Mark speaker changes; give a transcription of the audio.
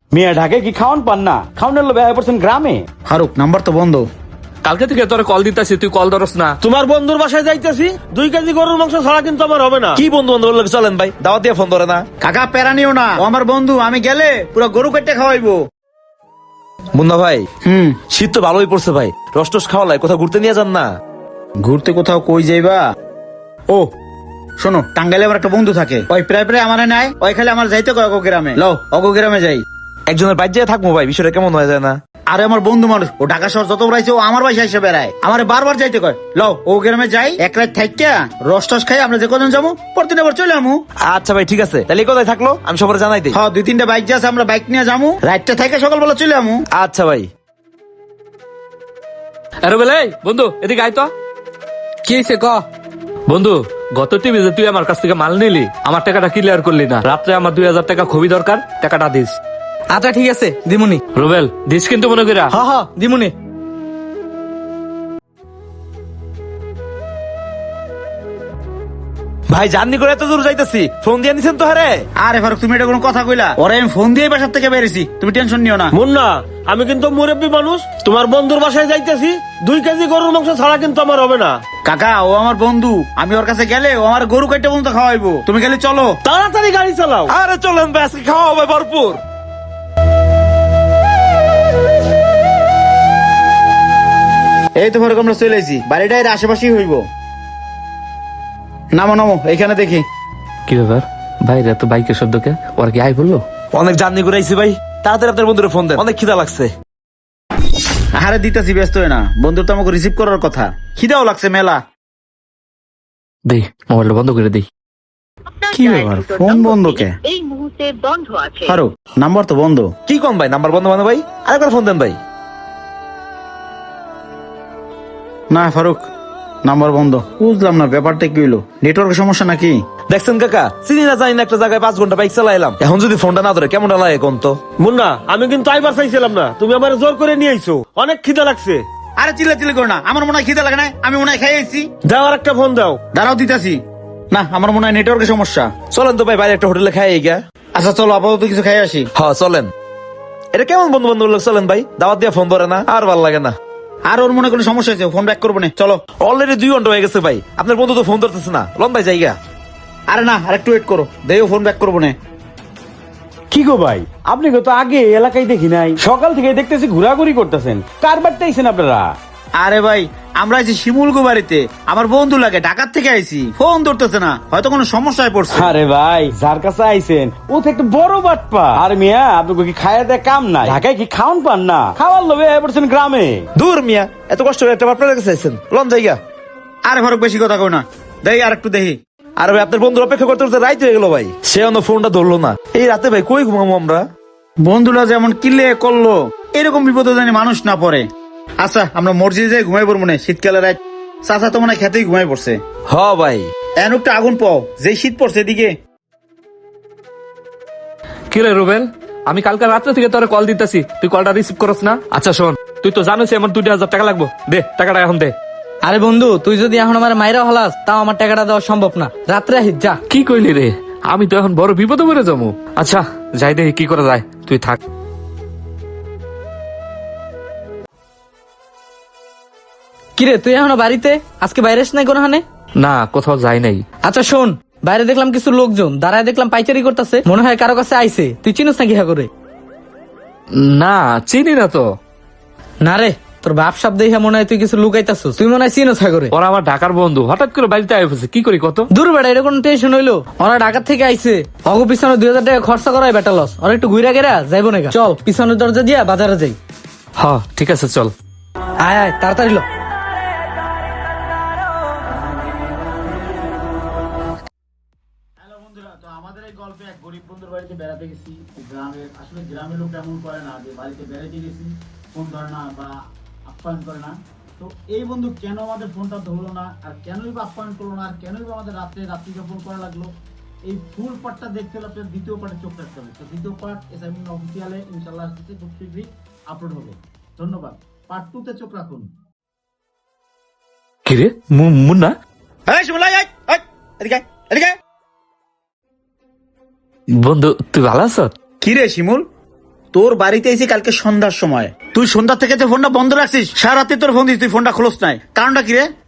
Speaker 1: মিয়া ঢাকায় কি খাওয়ান পান না? খাওয়ানোর লোভে আয়া পড়ছেন গ্রামে।
Speaker 2: ফারুক নাম্বার তো বন্ধ।
Speaker 3: কালকে থেকে তোর কল দিতেছি, তুই কল ধরস না।
Speaker 4: তোমার বন্ধুর বাসায় যাইতেছি, 2 কেজি গরুর মাংস ছাড়া কিন্তু আমার হবে না।
Speaker 5: কি বন্ধু বান্ধব লোক চলেন ভাই, দাওয়াত দিয়ে ফোন ধরে না।
Speaker 2: কাকা প্যারা নিও না, ও আমার বন্ধু, আমি গেলে পুরো গরু কেটে খাওয়াইবো।
Speaker 5: মুন্না ভাই,
Speaker 2: হুম,
Speaker 5: শীত তো ভালোই পড়ছে ভাই, রস টস খাওয়া লাগে, কোথাও ঘুরতে নিয়ে যান না।
Speaker 2: ঘুরতে কোথাও কই যাইবা? ও শোনো, টাঙ্গাইলে আমার একটা বন্ধু থাকে, ওই প্রায় প্রায় আমার নেয়, ওই খালি আমার যাইতে কয় অগো গ্রামে। লও অগো গ্রামে যাই।
Speaker 5: একজনের বাইর যেয়ে থাকবো ভাই, বিষয়টা কেমন হয়ে যায় না?
Speaker 2: আরে আমার বন্ধু মানুষ, ও ঢাকা শহর যত বেড়াইছে ও আমার বাসায় এসে বেড়ায়, আমার বারবার যাইতে কয়। লও ও গ্রামে যাই, এক রাত থাইকা রস টস খাই, আমরা যে কজন যাবো পরদিন আবার চলে আমু।
Speaker 5: আচ্ছা ভাই ঠিক আছে, তাহলে কোথায় থাকলো আমি সবার জানাই দিই।
Speaker 2: হ্যাঁ 2-3টা বাইক আছে, আমরা বাইক নিয়ে যাবো, রাতটা থাইকা সকালবেলা চলে আমু।
Speaker 5: আচ্ছা ভাই।
Speaker 3: আরে বেলে বন্ধু এদিকে আয় তো।
Speaker 6: কি হয়েছে ক?
Speaker 3: বন্ধু, গত টিভিতে তুই আমার কাছ থেকে মাল নিলি, আমার টাকাটা ক্লিয়ার করলি না। রাত্রে আমার 2000 টাকা খুবই দরকার, টাকাটা দিস।
Speaker 6: আচ্ছা ঠিক আছে দিমুনি।
Speaker 3: রুবেল দিস কিন্তু মনে করিয়া।
Speaker 6: হ হ দিমুনি।
Speaker 5: ভাই জার্নি করে এত দূর যাইতেছি, ফোন দিয়ে নিছেন তো? হারে
Speaker 2: আরে ফারুক তুমি এটা কোনো কথা কইলা? ওরে আমি ফোন দিয়ে বাসার থেকে বেরিয়েছি, তুমি টেনশন নিও না।
Speaker 4: মুন্না, আমি কিন্তু মুরব্বী মানুষ, তোমার বন্ধুর বাসায় যাইতেছি, 2 কেজি গরুর মাংস ছাড়া কিন্তু আমার হবে না।
Speaker 2: কাকা ও আমার বন্ধু, আমি ওর কাছে গেলে ও আমার গরু কেটে পর্যন্ত খাওয়াইবো, তুমি খালি চলো।
Speaker 4: তাড়াতাড়ি গাড়ি চালাও।
Speaker 5: আরে চলেন ভাই, আজকে খাওয়া হবে ভরপুর।
Speaker 2: এই তো ফারুক আমরা চলে এসেছি, বাড়িটা এর আশেপাশেই হইব। নামো নামো, এইখানে দেখি।
Speaker 3: কি ব্যাপার, বাইরে তো বাইকের শব্দকে ওরা কি আই বললো?
Speaker 5: অনেক জার্নি করে আইছি ভাই, তাড়াতাড়ি আপনার বন্ধুরে ফোন দেন, অনেক খিদা লাগছে।
Speaker 2: আরে দিতাছি, ব্যস্ত হয়ে না, বন্ধুর তো আমাকে রিসিভ করার কথা, খিদাও লাগছে মেলা।
Speaker 3: দেই মোবাইলটা বন্ধ করে দেই।
Speaker 2: কি ব্যাপার, ফোন বন্ধ কে?
Speaker 7: এই মুহূর্তে বন্ধ আছে।
Speaker 2: ফারুক নাম্বার তো বন্ধ।
Speaker 5: কি কম ভাই, নাম্বার বন্ধ মানে ভাই? আরেকবার ফোন দেন ভাই।
Speaker 2: না ফারুক নাম্বার বন্ধ। বুঝলাম না ব্যাপারটা কি হইলো, নেটওয়ার্কের সমস্যা নাকি?
Speaker 5: দেখছেন কাকা, চিনি না জানি না একটা জায়গায় 5 ঘন্টা বাইক চালাইলাম, এখন যদি ফোনটা না ধরে কেমন লাগে কোন তো?
Speaker 4: মুন্না, আমি কিন্তু আইবার চাইছিলাম না, তুমি আমার জোর করে নিয়ে আইছো, অনেক খিদা লাগছে।
Speaker 2: আরে চিল্লা চিল্লি করো না, আমার মনে হয় খিদা লাগে না, আমি মনে হয় খাইয়েছি।
Speaker 4: দাও আর একটা ফোন দাও।
Speaker 2: দাঁড়াও দিতাছি। না আমার মনে হয় নেটওয়ার্কের সমস্যা।
Speaker 5: চলেন তো ভাই, বাইরে একটা হোটেলে খাই গা।
Speaker 2: আচ্ছা চলো আপাতত কিছু খাই আসি।
Speaker 5: হ্যাঁ চলেন। এটা কেমন বন্ধু বান্ধব লোক, চলেন ভাই, দাওয়াত দিয়ে ফোন ধরে না, আর ভাল লাগে না।
Speaker 2: আর ওর মনে কোনো সমস্যা হয়েছে, ফোন ব্যাক করবো না, চলো।
Speaker 5: অলরেডি 2 ঘন্টা হয়ে গেছে ভাই, আপনার বন্ধু তো ফোন ধরতেছে না, লন ভাই জায়গা।
Speaker 2: আরে না আর একটু ওয়েট করো, দেও ফোন ব্যাক করবো না।
Speaker 1: কি গো ভাই, আপনি তো আগে এলাকায় দেখি নাই, সকাল থেকে দেখতেছি ঘোরাঘুরি করতেছেন, কার বাড়িতে আইছেন আপনারা?
Speaker 2: আরে ভাই আমরা আইছি শিমুলগো বাড়িতে, আমার বন্ধু লাগে, ঢাকার থেকে আইছি, ফোন ধরতেছে না, হয়তো কোনো সমস্যায় পড়ছে।
Speaker 1: আরে ভাই যার কাছে আইছেন ও তো একটা বড় বাটপা। আর মিয়া আপনাকে কি খায়া দেয় কাম নাই? ঢাকায় কি খাওয়ান পান না? খাওয়ার লোভে আয়া পড়ছেন গ্রামে।
Speaker 5: দূর মিয়া, এত কষ্ট করে একটা আপনার কাছে আইছেন, লন জায়গা।
Speaker 2: আরে ফারুক বেশি কথা কই না, দেখি আর একটু দেখি।
Speaker 5: আর ভাই আপনার বন্ধুর অপেক্ষা করতে করতে রাইত হয়ে গেল ভাই, সে অন্য ফোনটা ধরলো না। এই রাতে ভাই কই ঘুমাবো আমরা?
Speaker 2: বন্ধুরা যেমন কিলে করলো, এরকম বিপদে জানি মানুষ না পড়ে। আচ্ছা আমরা মসজিদে যাই ঘুমাই পড়বো না, শীতকালে রাত। চাচা তো মনে হয় খেতেই ঘুমাই পড়ছে।
Speaker 5: হ ভাই।
Speaker 2: এন একটা আগুন পাও, যে শীত পড়ছে এদিকে।
Speaker 3: কি রে রুবেল, আমি কালকে রাত্রে থেকে তোর কল দিতেছি, তুই কলটা রিসিভ করস না। আচ্ছা শোন, তুই তো জানিস আমার 2000 টাকা লাগবে, দে টাকাটা এখন দে।
Speaker 6: আরে বন্ধু তুই যদি এখন আমার মাইরা হলাস, তাও আমার টাকাটা দেওয়া সম্ভব না, রাত্রে আহিস যা।
Speaker 3: কি কইলি রে, আমি তো এখন বড় বিপদে পড়ে যাবো। আচ্ছা যাই দেখি কি করা যায়, তুই থাক।
Speaker 6: কিরে তুই এখনো বাড়িতে? আজকে বাইরে এসে নাই কোনো হানে?
Speaker 3: না কোথাও যাই নাই।
Speaker 6: আচ্ছা শোন, বাইরে দেখলাম কিছু লোকজন দাঁড়ায়, দেখলাম পাইচারি করতেছে, মনে হয় কারো কাছে আইছে, তুই চিনিস নাকি হা করে?
Speaker 3: না চিনি না তো।
Speaker 6: না রে, তোর বাপ সাপ দেখে মনে হয় তুই কিছু লুকাইতাছিস, তুই মনে হয় চিনোস হা করে।
Speaker 3: ওরা আমার ঢাকার বন্ধু, হঠাৎ করে বাড়িতে আয় পড়ছে, কি করি কত?
Speaker 6: দূর বেড়া, এটা কোনো টেনশন হইলো? ওরা ঢাকার থেকে আইছে, অগো পিছনে 2000 টাকা খরচা করাই বেটা লস, ওরা একটু ঘুরা গেরা যাইবো না। চল পিছনের দরজা দিয়া বাজারে যাই।
Speaker 3: হ ঠিক আছে চল।
Speaker 6: আয় আয় তাড়াতাড়ি লো।
Speaker 2: আমাদের এই গল্পে এক গরিব বন্ধুর বাড়িতে বেড়াতে গেছি। গ্রামের আসলে গ্রামের লোক এমন করে না যে বাড়িতে বেড়াতে গেছি ফোন ধরে না বা আপ্যায়ন করে না। তো এই বন্ধু কেন আমাদের ফোনটা ধরলো না, আর কেনই বা আপ্যায়ন করলো না, আর কেনই বা আমাদের রাত্রি যাপন করা লাগলো, এই ফুল পার্টটা দেখতে হলে আপনার দ্বিতীয় পার্টে চোখ রাখতে হবে। তো দ্বিতীয় পার্ট এসআইএম অফিসিয়ালে ইনশাআল্লাহ আসতেছে, খুব শীঘ্রই আপলোড হবে। ধন্যবাদ। পার্ট 2 তে চোখ রাখুন।
Speaker 3: কি রে মুন্না,
Speaker 2: এই শিমুল, এই এই এদিকে এদিকে।
Speaker 3: বন্ধু তুই ভালো আছ?
Speaker 2: কি রে শিমুল, তোর বাড়িতে এসে কালকে সন্ধ্যার সময় তুই সন্ধ্যা থেকে যে ফোনটা বন্ধ রাখছিস, সারা রাতে তোর ফোন দিস, তুই ফোনটা খোলস নাই, কারণটা কি রে?